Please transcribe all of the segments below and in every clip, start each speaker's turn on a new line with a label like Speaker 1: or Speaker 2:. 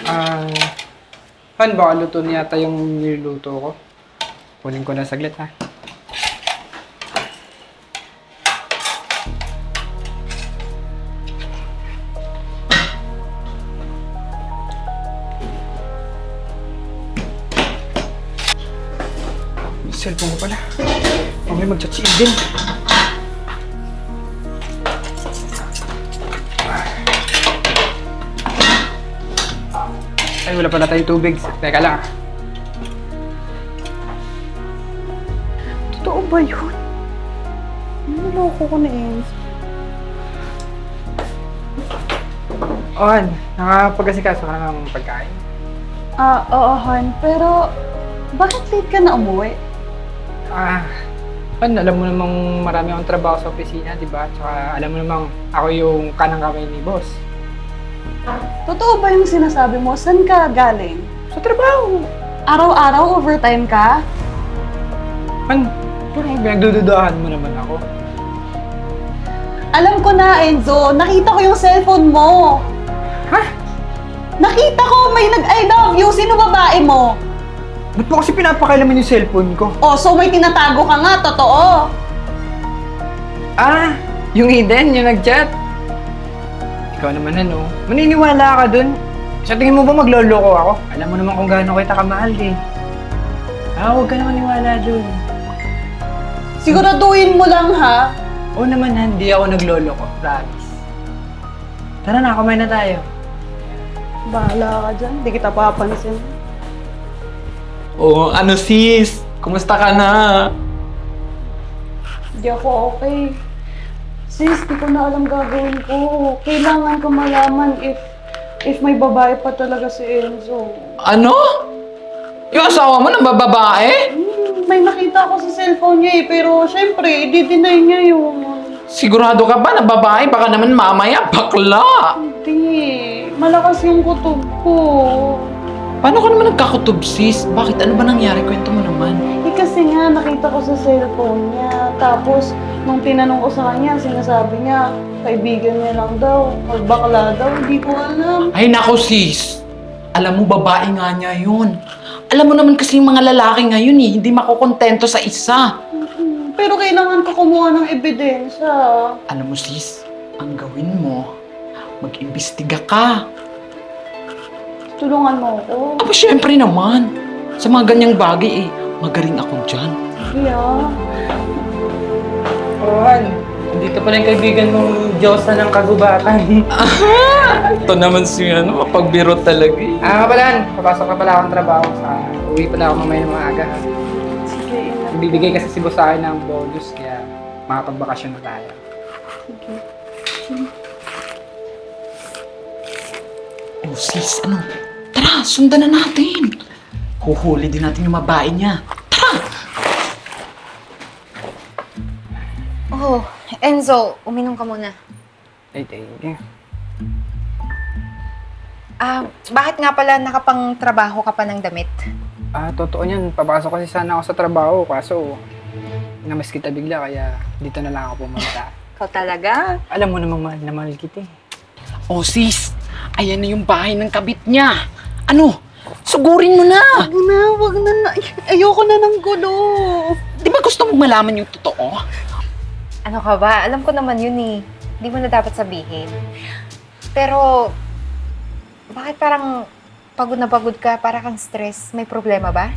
Speaker 1: Ah, Han, baka luto na yata yung niluto ko. Kunin ko na saglit, ha? May cellphone ko pala. Mamaya mag-chat-chat din. Ay, wala pala tayong tubig. Teka lang.
Speaker 2: Totoo ba yun? Naloko ko na Enzo.
Speaker 1: Han, nakapag-asikaso ka ng pagkain?
Speaker 2: Oo, Han. Pero, bakit late ka na umuwi?
Speaker 1: Han, alam mo namang marami akong trabaho sa opisina, di ba? Tsaka alam mo namang ako yung kanang kamay ni boss.
Speaker 2: Totoo ba yung sinasabi mo? Saan ka galing?
Speaker 1: Sa trabaho!
Speaker 2: Araw-araw overtime ka?
Speaker 1: Han, parang pinagdududahan mo naman ako.
Speaker 2: Alam ko na, Enzo. Nakita ko yung cellphone mo.
Speaker 1: Ha?
Speaker 2: Nakita ko may nag-I love you. Sino babae mo?
Speaker 1: Ba't mo kasi pinapakailaman yung cellphone ko?
Speaker 2: Oh, so may tinatago ka nga. Totoo.
Speaker 1: Yung Eden, yung nag-chat. Ikaw naman ano, maniniwala ka dun. Sa tingin mo ba magloloko ako? Alam mo naman kung gaano kita kamahal eh. Huwag ka na maniwala dun.
Speaker 2: Siguraduhin mo lang, ha?
Speaker 1: Oo naman, hindi ako nagloloko, promise. Tara na, kumain na tayo.
Speaker 2: Bahala ka dyan. Hindi kita papansin.
Speaker 3: Oh, ano sis? Kumusta ka na?
Speaker 2: Hindi ako okay. Sis, di ko na alam gagawin ko. Kailangan ko malaman if may babae pa talaga si Enzo.
Speaker 3: Ano? Yung asawa mo nang babae?
Speaker 2: May nakita ko sa cellphone niya pero syempre, i-deny niya yun.
Speaker 3: Sigurado ka ba na babae? Baka naman mamaya bakla.
Speaker 2: Hindi. Malakas yung kutob ko.
Speaker 3: Paano ka naman nagkakutob sis? Bakit? Ano ba nangyari? Kwento mo naman.
Speaker 2: Kasi nga, nakita ko sa cellphone niya. Tapos, nung tinanong ko sa kanya, sinasabi niya, kaibigan niya lang daw. Magbakla daw. Hindi ko alam.
Speaker 3: Ay nako sis. Alam mo, babae nga niya yun. Alam mo naman kasi yung mga lalaki ngayon hindi makukontento sa isa.
Speaker 2: Pero kailangan ko kumuha ng ebidensya.
Speaker 3: Alam mo sis, ang gawin mo, mag-imbestiga ka.
Speaker 2: Tulungan mo ako.
Speaker 3: Aba syempre naman. Sa mga ganyang bagay magaling ako dyan.
Speaker 2: Sige ah.
Speaker 1: Han, dito pala yung kaibigan mong Diyosa ng kagubatan.
Speaker 3: Ito naman si mapagbiro talaga
Speaker 1: Nga pala, Han, papasok na pala akong trabaho. Uwi pala ako mamaya ng maaga. Ha?
Speaker 2: Sige, ingat.
Speaker 1: Bibigay kasi si boss sa akin ng bonus, kaya makapagbakasyon na tayo.
Speaker 2: Sige.
Speaker 3: Oh sis, ano? Tara, sundan na natin. Huhuli din natin yung babae niya. Tara!
Speaker 4: Oh, Enzo, uminom ka muna.
Speaker 1: Ay, thank you.
Speaker 4: Bakit nga pala nakapang-trabaho ka pa ng damit?
Speaker 1: Totoo niyan. Papasok kasi sana ako sa trabaho, kaso namiss kita bigla, kaya dito na lang ako pumunta.
Speaker 4: Ikaw talaga?
Speaker 1: Alam mo namang mahal na mahal kita eh.
Speaker 3: Oh sis, ayan na yung bahay ng kabit niya. Ano? Sugurin mo na!
Speaker 2: Wag na. Ayoko na ng gulo.
Speaker 3: Di ba gusto mong malaman yung totoo?
Speaker 4: Ano ka ba? Alam ko naman yun eh. Hindi mo na dapat sabihin. Pero, bakit parang pagod na pagod ka? Para kang stress? May problema ba?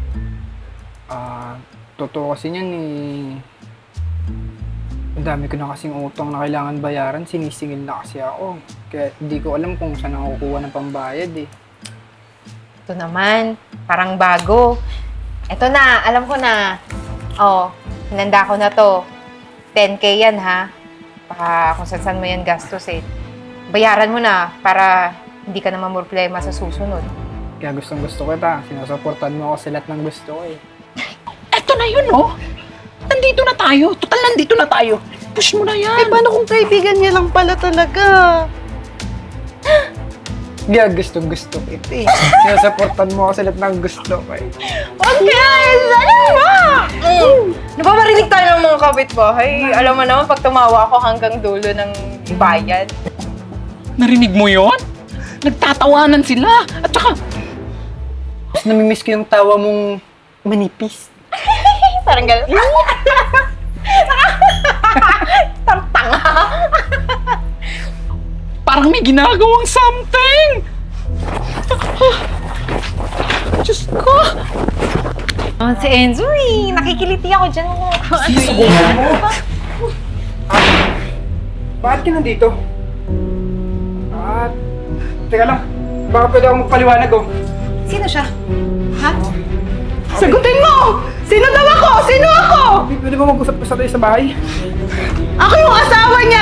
Speaker 1: Totoo kasi niyan eh. Ang dami ko na kasing utang na kailangan bayaran, sinisingil na kasi ako. Kaya hindi ko alam kung saan ako kukuha ng pambayad eh.
Speaker 4: Ito naman, parang bago. Ito na, alam ko na. Oh, hinanda ko na to. 10K yan ha. Baka kung saan mo yan gastos eh. Bayaran mo na para hindi ka na mamroblema sa susunod.
Speaker 1: Kaya gustong gusto ko ita. Sinusuportan mo ako sa lahat ng gusto ko eh.
Speaker 3: Eto na yun, oh! Nandito na tayo. Total, nandito na tayo. Push mo na yan.
Speaker 2: Paano kung kaibigan niya lang pala talaga?
Speaker 1: Kaya gustong gusto ko ito eh. Sinusuportan mo ako sa lahat ng gusto ko eh.
Speaker 4: Okay! Ano ba? Napaparinig tayo ng mga kapitbahay. Alam mo naman, pag tumawa ako hanggang dulo ng bayan.
Speaker 3: Narinig mo yon? nagtatawanan sila. At saka,
Speaker 1: Mas namimiss ko yung tawa mong manipis.
Speaker 4: Parang gano'n. Tartanga.
Speaker 3: parang may ginagawang something! Diyos ko!
Speaker 4: Oh, si Enzo eh. Nakikiliti ako dyan.
Speaker 1: Bakit ka nandito? Teka lang. Baka pwede akong magpaliwanag oh.
Speaker 4: Sino siya? Ha?
Speaker 2: Sagutin mo! Sino daw ako? Sino ako?
Speaker 1: Pwede ba mag-usap pa sa tayo sa bahay?
Speaker 2: Ako yung asawa niya!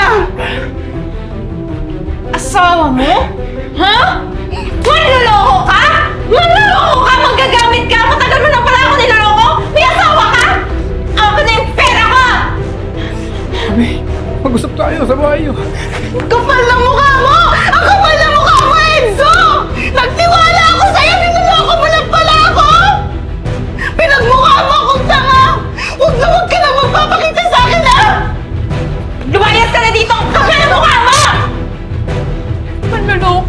Speaker 4: Asawa mo? Ha? Manloloko ka? Manloloko ka? Magagamit ka? Matagal mo na pala ako niloloko? May asawa ka? Ako na yung pera ko!
Speaker 1: Sabi, mag-usap tayo sa bahay oh.
Speaker 2: Kapal ng mukha mo! Ang kapal ng mukha mo, Enzo! Nagtiwala ako sa'yo! Ninuloko mo lang pala ako! Pinagmukha mo akong tanga! Huwag ka na magpapakita sa akin, ha!
Speaker 4: Lumayas ka na dito! Ang kapal ng mukha mo! Manloloko.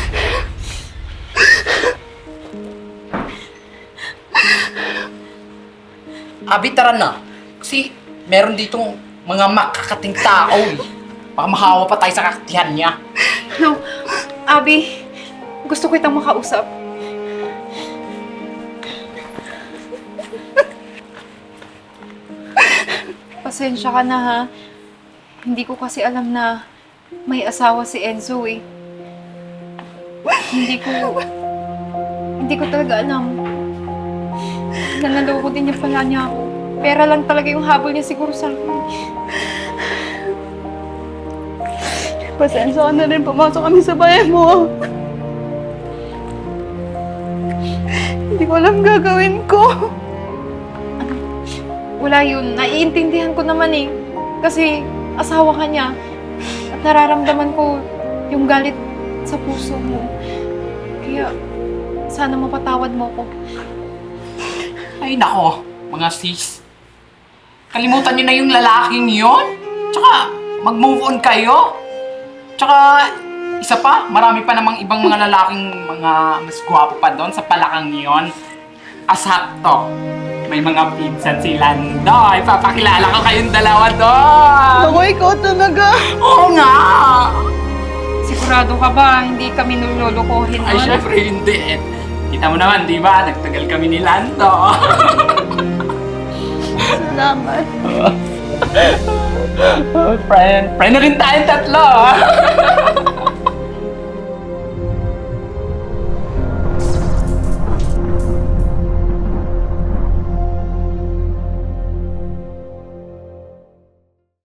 Speaker 3: Abi, tara na. Kasi meron ditong mga makakating tao eh. Baka mahawa pa tayo sa kakatihan niya.
Speaker 4: No, Abby, gusto ko itang makausap. Pasensya ka na ha. Hindi ko kasi alam na may asawa si Enzo eh. Hindi ko talaga alam. Nanaloko din niya pala niya ako. Pera lang talaga yung habol niya siguro sa akin.
Speaker 2: Pasensya ka na rin, pumasok kami sa bahay mo. Hindi ko alam gagawin ko.
Speaker 4: Wala yun. Naiintindihan ko naman eh. Kasi asawa ka niya. At nararamdaman ko yung galit sa puso mo. Kaya sana mapatawad mo ko.
Speaker 3: Ay nako, mga sis. Kalimutan niyo na yung lalaking yon. Tsaka, mag-move on kayo. Tsaka, isa pa, marami pa namang ibang mga lalaking mga mas gwapo pa doon sa palakang yon. Asakto. May mga pinsan si Lando. Ipapakilala ko kayong dalawa doon.
Speaker 2: Ako, ikaw talaga.
Speaker 3: Oo nga.
Speaker 4: Sigurado ka ba? Hindi kami nulolokohin
Speaker 3: Ay,
Speaker 4: nun?
Speaker 3: syempre hindi. Kita mo naman, di ba? Nagtagal kami ni Lando.
Speaker 2: Salamat.
Speaker 3: Friend na rin tayong tatlo.